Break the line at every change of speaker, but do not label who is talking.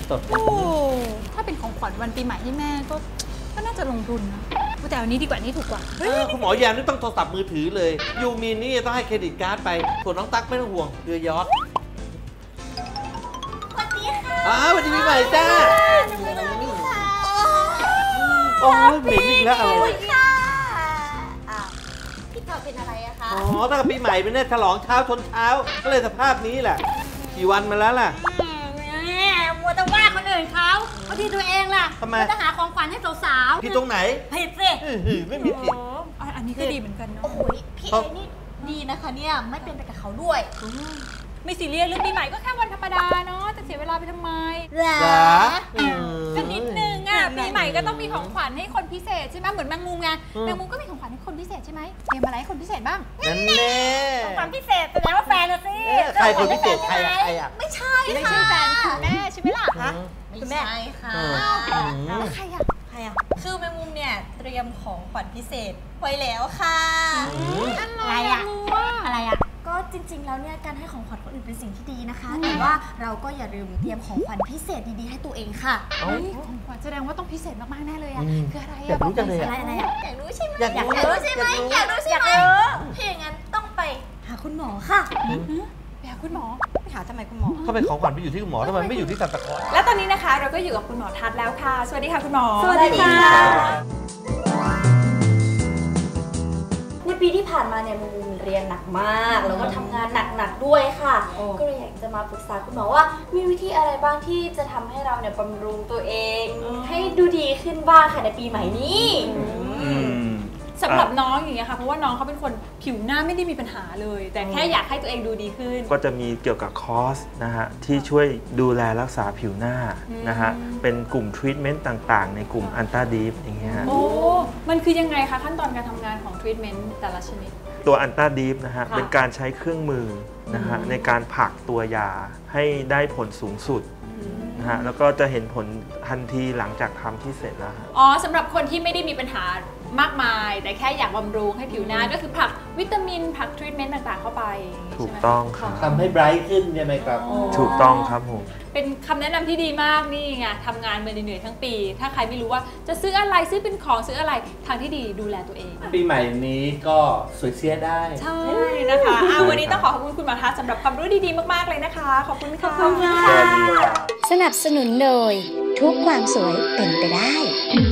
โอ้ถ้าเป็นของขวัญวันปีใหม่ให้แม่ก็น่าจะลงทุนนะแต่อันนี้ดีกว่านี้ถูกกว่า
คุณหมอแยมนี่ต้องโทรศัพท์มือถือเลยยูมีนนี่ต้องให้เครดิตการ์ดไปส่วนน้องตั๊กไม่ต้องห่วงเรือยอชต์
สวัสดีค่ะ
สวัสดีปีใหม่จ้าโอ้ยเหม็นอีกแล้วอะไร
ค่ะพี่กอเป็นอะไรอะคะ
อ๋อตั้งแต่ปีใหม่เป็นเนี่ยฉลองเช้าชนเช้าก็เลยสภาพนี้แหละกี่วันมาแล้วล่ะ
มัวแต่ว่าคนอื่นเขาที่ตัวเองล่ะ
ทำไม
จะหาของขวัญให้สาว
ๆพี่ตรงไหน
ผิดสิ
ไม่มีผิด
อันนี้ก็ดีเหมือนกันเนาะ
โอ้โหพี่เอนี่ดีนะคะเนี่ยไม่เป็นไปกับเขาด้วย
ไม่ซีเรียสเรื่องปีใหม่ก็แค่วันธรรมดาเนาะจะเสียเวลาไปทำไมก็นิดนึงอ่ะปีใหม่ก็ต้องมีของขวัญให้คนพิเศษใช่ไหมเหมือนแมงมุมไงแมงมุมก็มีของขวัญให้คนพิเศษใช่ไหมเตรียมอะไรให้คนพิเศษบ้าง
นั่นแน่
ของขวัญพิเศษแสดงว่าแฟนนะสิ
ใครคนพิเศษใครอ่ะ
ไม่ใช่
ไม่ใช่แฟนคุณแม่ใช่ไหมล่ะคะ
คุณแม่ค่ะ
แล้วใครอ่ะ
คือแมงมุมเนี่ยเตรียมของขวัญพิเศษไว้แล้วค่ะ
อะไรอ่ะ
ก็จริงๆแล้วเนี่ยการให้ของขวัญคนอื่นเป็นสิ่งที่ดีนะคะแต่ว่าเราก็อย่าลืมเตรียมของขวัญพิเศษดีๆให้ตัวเองค่ะ
ของขวัญแสดงว่าต้องพิเศษมากๆแน่เลยอ่ะคืออะไร
อยากรู้จังเลย
อะไรอยากรู้ใช่ไหม
อยากรู้ใช่ไหม
ถ้าอย่างนั้นต้องไปหาคุณหมอค่ะ
ไปหาคุณหมอ
ไปหาทำไมคุณหมอ
เขาเป็นของขวัญไปอยู่ที่คุณหมอทำไมไม่อยู่ที่ซันตาคลอส
และตอนนี้นะคะเราก็อยู่กับคุณหมอทัศน์แล้วค่ะสวัสดีค่ะคุณหมอ
สวัสดีค่ะในปีที่ผ่านมาเนี่ยมุมเรียนหนักมากแล้วก็ทำงานหนักๆด้วยค่ะก็เลยอยากจะมาปรึกษาคุณหมอว่ามีวิธีอะไรบ้างที่จะทำให้เราเนี่ยบำรุงตัวเองให้ดูดีขึ้นบ้างค่ะในปีใหม่นี้
สำหรับน้องอย่างเงี้ยค่ะเพราะว่าน้องเขาเป็นคนผิวหน้าไม่ได้มีปัญหาเลยแต่แค่อยากให้ตัวเองดูดีขึ้น
ก็จะมีเกี่ยวกับคอร์สนะฮะที่ช่วยดูแลรักษาผิวหน้านะฮะเป็นกลุ่มทรีทเมนต์ต่างๆในกลุ่มอันต้าดีฟอย่างเงี้ย
โอ้มันคือยังไงคะขั้นตอนการทำงานของทรีทเมนต์แต่ละชนิด
ตัวอันต้าดีฟนะฮะเป็นการใช้เครื่องมือนะฮะในการผลักตัวยาให้ได้ผลสูงสุดนะฮะแล้วก็จะเห็นผลทันทีหลังจากทำที่เสร็จแล้ว
สำหรับคนที่ไม่ได้มีปัญหามากมายแต่แค่อยากบำรุงให้ผิวหน้าก็คือผลักวิตามินผลักทรีทเมนต์ต่างๆเข้าไป
ถูกต้องครับ
ทำให้ไบรท์ขึ้นใช่ไหมครับ
ถูกต้องครับผม
เป็นคำแนะนำที่ดีมากนี่ไงทำงานมาเหนื่อยๆทั้งปีถ้าใครไม่รู้ว่าจะซื้ออะไรซื้อเป็นของซื้ออะไรทางที่ดีดูแลตัวเอง
ปีใหม่นี้ก็สวยเสียได้
ใช่นะคะวันนี้ต้องขอบคุณคุณหมอทัศน์สำหรับความรู้ดีๆมากๆเลยนะคะขอบคุณค่ะ
สนับสนุนโดยทุกความสวยเป็นไปได้